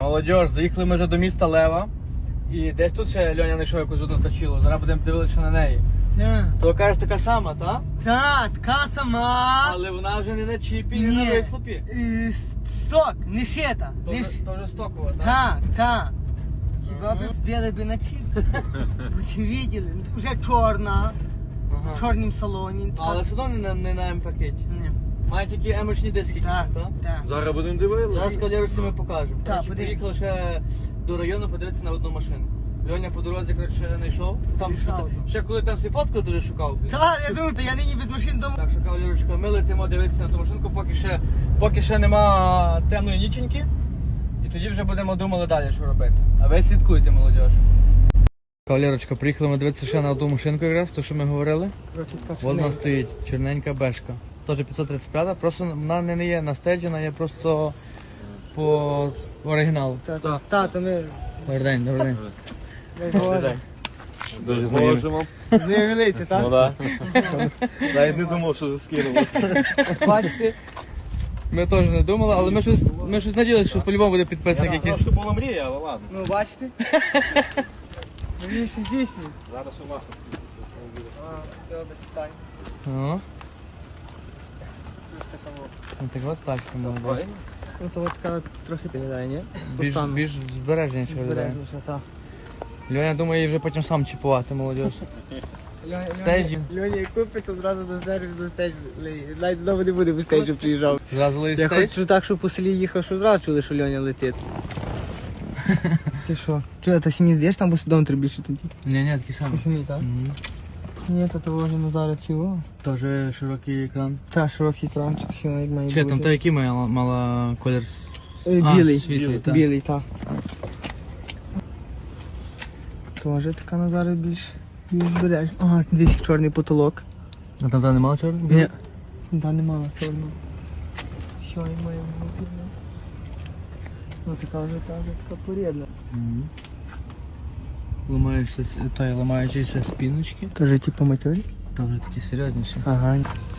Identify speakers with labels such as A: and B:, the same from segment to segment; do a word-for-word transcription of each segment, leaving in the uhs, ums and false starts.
A: Молодіж, заїхали ми вже до міста Лева. І десь тут ще Льоня знайшов якусь одну точилу. Зараз будемо дивитися на неї.
B: Так.
A: То кажеш, така сама, та?
B: Так, така сама.
A: Але вона вже не на чіпі, не на вихлопі.
B: Е, Сток, не шита.
A: То
B: Не
A: вже,
B: ш-
A: то вже стокова, так?
B: Так, так. Хіба б збили би на чіп? Ви виділи? Вже чорна,
A: Ага.
B: в чорнім салоні.
A: Але все одно не на, не на М-пакеті.
B: Ні.
A: Має тільки емочні диски,
B: Так,
A: так?
B: так.
C: Зараз будемо дивитися.
A: Зараз кавалерусі ми покажемо.
B: Так,
A: Коротше,
B: подивимось.
A: Поїхали ще до району подивитися на одну машину. Льоня по дорозі, коротше, не йшов. Там
B: Рішав,
A: ще,
B: так.
A: ще коли там всі фоткали, дуже шукав.
B: Так, я думаю, то я нині без машин дома.
A: Так що, кавалерочка, ми летимо дивитися на ту машинку, поки ще, поки ще нема темної ніченьки. І тоді вже будемо думали далі, що робити. А ви слідкуйте, молодіж. Кавалерочка, приїхали ми дивитися ще на одну машинку якраз, то що ми говорили. Вона стоїть, чорненька бешка. Теж п'ятсот тридцять п'ять, просто вона не є на стеджі, вона є просто по оригіналу.
B: Та, та, то ми...
A: Добрий день, добрий день.
B: Дай Боже.
C: Дуже можемо.
B: Не велиці,
C: Ну
B: так?
C: так. Навіть не думав, що скинулося.
B: Бачите?
A: Ми теж не думали, але ми щось, ми щось надіялися, що по-любому буде підписник якийсь.
C: Просто була мрія, але ладно.
B: Ну, бачите? Мені все здійснює.
C: Зараз що масло світиться.
B: А, все, без питань.
A: О,
B: Ось така от.
A: ну так от тачка молода.
B: Ну, то от така трохи виглядає, ні?
A: Більш,
B: Постану.
A: більш збережніше виглядає.
B: Збережніше, так.
A: Льоня думає її вже потім сам чіпувати, молодіж. Стейджі.
B: Льоня, як купить, одразу до стейджу, до стейджу. Навіть вдома не буде, бо стейджу приїжджав.
A: Зразу ловить
B: Я
A: стейдж.
B: хочу так, щоб по селі їхав, що зразу чули, що Льоня летить. Ти що? Чого, то сім'ї здаєш, там господом треба більше тоді?
A: Ні, ні, такий самий.
B: Ти сім'ї, так?
A: Мгм.
B: Ні, то того вже Назара цього.
A: Теж широкий екран.
B: Та, широкий кранчик, все як має
A: Чи там
B: бути.
A: та який має мала колір?
B: Е,
A: А,
B: Білий.
A: світлий, так.
B: Білий, так. Тоже така Назара більш, більш береж. Ага, дивись, чорний потолок.
A: А там та немає чорного?
B: Ні. Да, немає чорного. Що як має бути? ну? Ну така вже та, вже така порідна.
A: Мгм. Ламаєшся, с- та й ламаючися спіночки.
B: Тоже типу матері?
A: Та вже такі серйозніші.
B: Ага.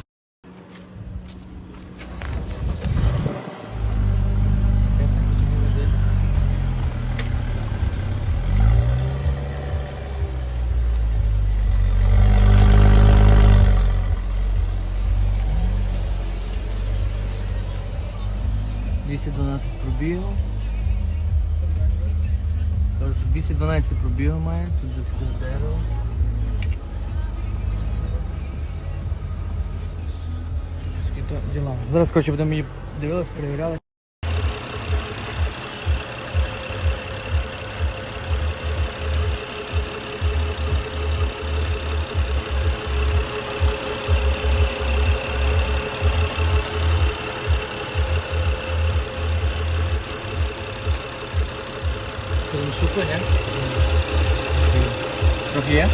A: двісті дванадцять пробігів. Тож двісті дванадцять пробігів має, тут же таке дерево. І то діла. Зараз, коротше, будемо її дивилися, перевіряли. Це не сухо, ні? Трохи є?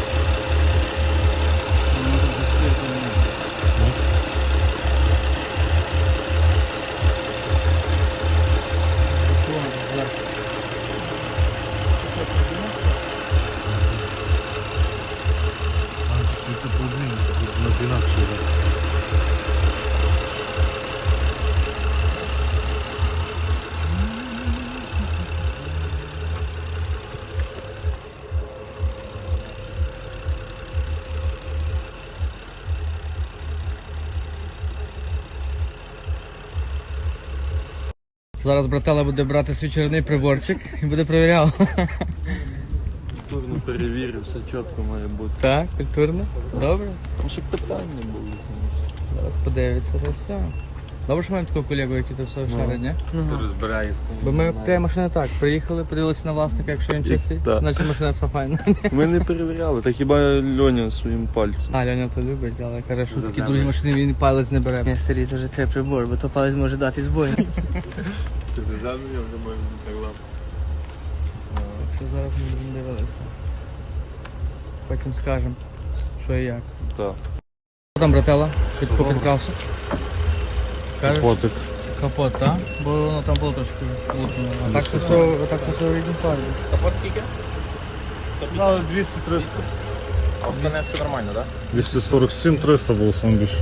A: Зараз братела буде брати свій чорний приборчик і буде перевіряв.
C: Культурно перевірив, все чітко має бути.
A: Так, культурно. Добре.
C: Ну, щоб питання були.
A: Зараз подивиться, то все. Добре, що маємо такого колегу, який то все шарить, ні?
C: Все розбирає.
A: Бо ми прямо машини так, приїхали, подивилися на власника, якщо він чистий,
C: Так.
A: значить машина все файна.
C: Ми не перевіряли, та хіба Льоня своїм пальцем.
A: А, Льоня то любить, але каже, що такі
C: Заземлює.
A: другі машини він палець не бере.
B: Ні, старі, це вже треба прибор, бо то палець може дати збой.
C: Ти держав мене, вже може бути так лапо.
A: Що зараз ми будемо дивитися. Потім скажемо, що і як.
C: Так.
A: Що там, братела? Під по підкрасу? Кажеш?
C: Потик.
A: Капот, так? Бо воно там було трошки лутно. А так то все, а так то все в рідній фарбі.
C: Капот скільки?
D: Ну, двісті триста.
C: А в Донецьку нормально, так?
D: двісті сорок сім триста було сам більше.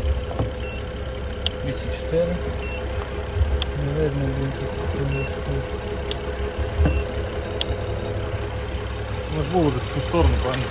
A: двісті чотири. Не видно, блін, тут.
D: Ми ж були десь в ту сторону, правильно?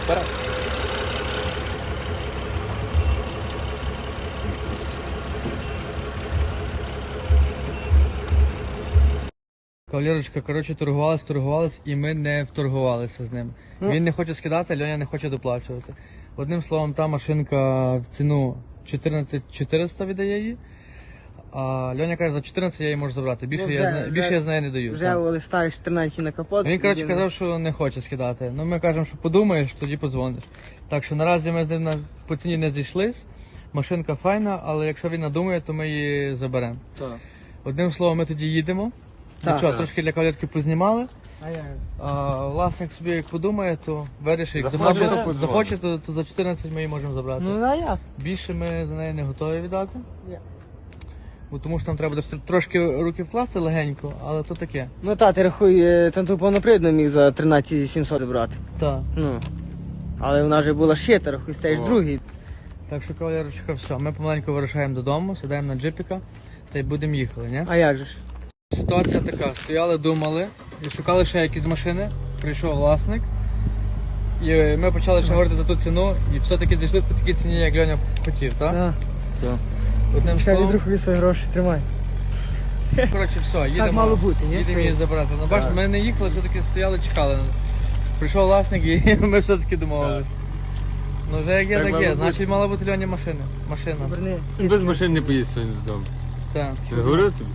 A: Кавалерочка, коротше, торгувалась, торгувалась, і ми не вторгувалися з ним. Він не хоче скидати, Льоня не хоче доплачувати. Одним словом, та машинка в ціну чотирнадцять чотириста віддає її, а Льоня каже, за чотирнадцять я її можу забрати. Більше,
B: Ну,
A: я,
B: вже-
A: з не-
B: вже-
A: більше я з неї не даю.
B: Вже
A: так.
B: листаєш тринадцять на капот.
A: Він, коротше,
B: людина.
A: казав, що не хоче скидати. Ну, ми кажемо, що подумаєш, тоді подзвониш. Так що наразі ми з ним на- по ціні не зійшлись. Машинка файна, але якщо він надумає, то ми її заберемо.
C: Так.
A: Одним словом, ми тоді їдемо.
B: Так.
A: Нічого, трошки для кавалерки познімали.
B: А як?
A: А власник собі як подумає, то вирішить. Як
C: Захоче,
A: захоче,
C: то
A: захоче, то, то за чотирнадцять ми її можемо забрати.
B: Ну а як?
A: Більше ми за неї не готові віддати.
B: Ні.
A: Бо тому що там треба буде трошки руки вкласти легенько, але то таке.
B: Ну та, ти рахуй, е, там ту повнопривідну міг за тринадцять сімсот забрати.
A: Так.
B: Ну. Але вона вже була шита, рахуй, стаєш
C: О.
B: другий.
A: Так що, кавалерочка, все. Ми помаленьку вирушаємо додому, сідаємо на джипіка та й будемо їхали, ні?
B: А як же ж?
A: Ситуація така, стояли, думали, і шукали ще якісь машини, прийшов власник. І ми почали ще говорити за ту ціну, і все-таки зійшли по такій ціні, як Льоня хотів, так?
B: Так.
A: Одним
B: Чекай,
A: словом,
B: відрахуй свої гроші, тримай.
A: коротше, все, їдемо,
B: Так мало бути, ні?
A: їдемо її забрати. Ну, бачиш, ми не їхали, все-таки стояли, чекали. Прийшов власник і ми все-таки домовились. Ну вже як є,
C: Так
A: так
C: мало
A: є.
C: бути.
A: Значить, мала бути Льоні машина. Машина.
B: Верни.
C: Без машин не поїдь сьогодні додому.
A: Так.
C: Я говорив тобі?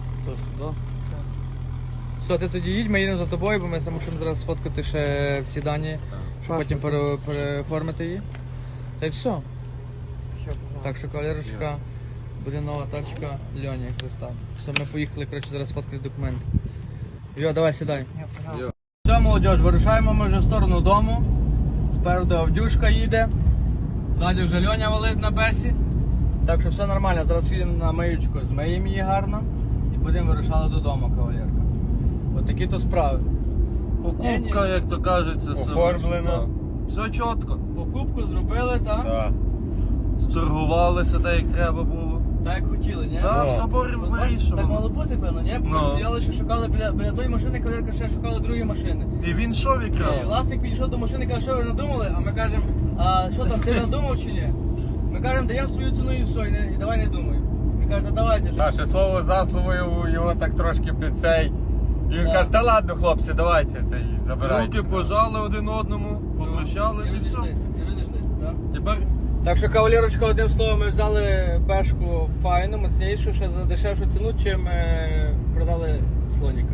A: Все, ти тоді їдь, ми їдемо за тобою, бо ми мусимо зараз сфоткати ще всі дані, щоб
B: Паспорт.
A: потім пере- переоформити її. Та й все.
B: Що, погнали.
A: Так що, кавалерочка, буде нова тачка Льоні Христа. Все, ми поїхали, коротше, зараз фоткати документи. Йо, давай, сідай.
B: Я погнав.
A: Все, молодь, вирушаємо ми вже в сторону дому. Спереду Авдюшка їде. Ззаді вже Льоня валить на бесі. Так що все нормально. Зараз їдемо на миючку, змиємо її гарно і будемо вирушати додому, кавалерка. От такі то справи.
C: Покупка, як то кажеться, все.
D: Оформлено.
C: Так. Все чітко.
A: Покупку зробили, так?
D: Так.
C: Сторгувалися так, як треба було.
A: Так як хотіли, ні?
C: Так,
D: Ну.
C: в соборі
A: Ну, бачиш, так мало
C: вирішували.
A: бути, певно, ні? Бо ми
C: Ну.
A: стояли, що шукали біля, біля тої машини, кавалерка ще шукали другі машини.
C: І він йшов якраз.
A: І власник підійшов до машини, каже, що ви надумали, а ми кажемо, а що там, ти надумав чи ні? Ми кажемо, даємо свою ціну і все, і, не, і давай не думай. Він каже, та давайте вже.
D: Наше слово за словою його так трошки під цей. І він
A: Так.
D: каже, та ладно, хлопці, давайте та й забирайте.
C: Руки пожали один одному, попрощалися і все.
A: розійшлися, і розійшлися, так?
C: Тепер
A: Так що, кавалерочка, одним словом, ми взяли бешку файну, міцнішу, ще за дешевшу ціну, чим е, продали слоніка.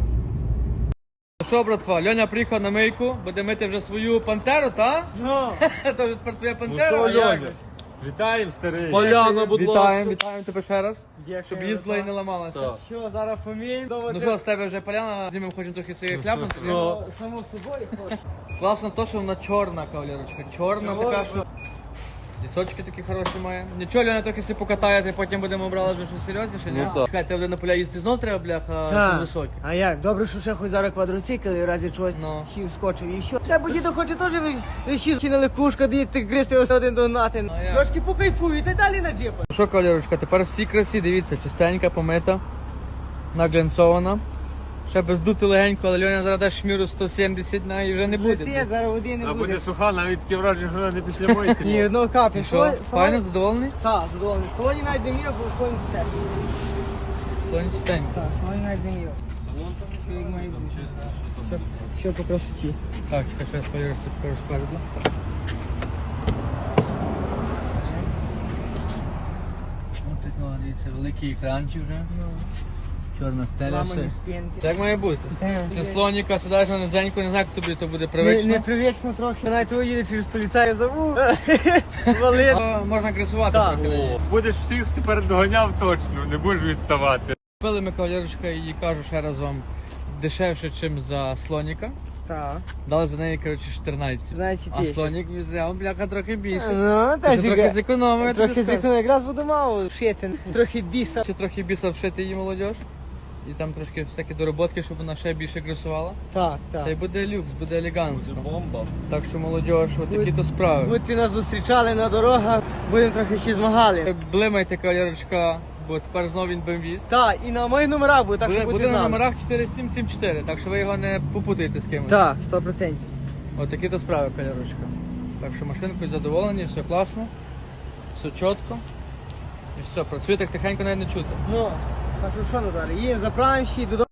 A: Ну що, братва, Льоня приїхав на мийку, буде мити вже свою пантеру, так?
B: Ну,
A: Це вже тепер твоя пантера.
C: що,
A: а як
C: Льоня?
A: же?
D: Вітаємо, старий.
C: Поляна, будь
A: Вітаємо,
C: ласка.
A: вітаємо тебе ще раз,
B: дякую.
A: щоб їздила і не ламалася.
C: Так.
B: Що, зараз поміємо?
A: Ну що, з тебе вже поляна, знімемо хочемо трохи своєї хляпнути.
C: Ну.
B: Само собою хочеш.
A: Класно то, що вона чорна, кавалерочка. Чорна
B: Чорна.
A: така, що лісочки такі хороші має. Нічого, Льоня трохи си покатаєте, потім будемо брали вже щось серйозніше, ні?
C: Ну так.
A: Чекай, ти на поля їсти знов треба, бляха,
B: Так.
A: високі.
B: А як? Добре, що ще хоч зараз квадроцикл і в разі чогось
A: Ну.
B: хів скочив і що. Треба діду хоче теж вихід кинули кушка, діти гристи ось один до нати.
A: А як?
B: Трошки покайфують і далі на джипа.
A: Ну що, кавалерочка, тепер всі красі, дивіться, чистенька, помита, наглянцована. Ще без дути легенько, але Льоня зараз дасть шміру сто сімдесят, на і вже не буде.
B: Летить, зараз води не
C: А
B: буде.
C: буде суха, навіть таке враження, що вона не після мойки.
B: Ні, одного капі.
A: І що, файно, задоволений?
B: Так, задоволений. В салоні навіть не міг, бо в салоні чисте.
A: Слонь чистенько.
B: Так, в салоні навіть не міг. Що як має бути. Що- Що по красоті.
A: Так, чекай, що я спойлерся покажу спереду. Ось такого, дивіться, великий екранчик вже, чорна стеля,
B: Ламані
A: все.
B: спинки.
A: Це як має бути.
B: Е,
A: Це слоніка, сідаєш на низеньку, не знаю, як тобі то буде
B: Не,
A: привично.
B: непривично трохи. Навіть того їде через поліцая забув. Валив.
A: А, можна красувати
B: Так.
A: трохи. на ній.
D: Будеш всіх тепер доганяв точно, не будеш відставати.
A: Купили ми кавалерочка і кажу ще раз вам дешевше, ніж за слоніка.
B: Так.
A: Дали за неї, коротше, чотирнадцять.
B: чотирнадцять
A: А
B: тисяч.
A: слонік взяв, бляха, трохи більше.
B: Ну,
A: Ще
B: так
A: трохи зекономив, я тобі
B: Трохи
A: скажу.
B: зикну, якраз буду мав вшити. Трохи біса.
A: Ще трохи біса вшити її молодіж. І там трошки всякі дороботки, щоб вона ще більше красувала.
B: Так,
A: Та й
B: так.
A: буде люкс, буде елегантно.
C: Бомба.
A: Так що молодіж, отакі то справи.
B: Будьте нас зустрічали на дорогах, будемо трохи ще змагали.
A: Блимайте, кавалерочка, бо тепер знову він бемвіз.
B: Так, і на моїх номерах буде, так
A: Буде,
B: що
A: буде
B: будьте з
A: на
B: нами.
A: номерах чотири сім сім чотири, так що ви його не попутаєте з кимось.
B: Так, сто процентів.
A: Отакі то справи, кольорочка. Так що машинкою задоволені, все класно, все чітко. І все, працює так тихенько навіть не чути.
B: Ну, так що що, Назар, їм заправимо ще й додому.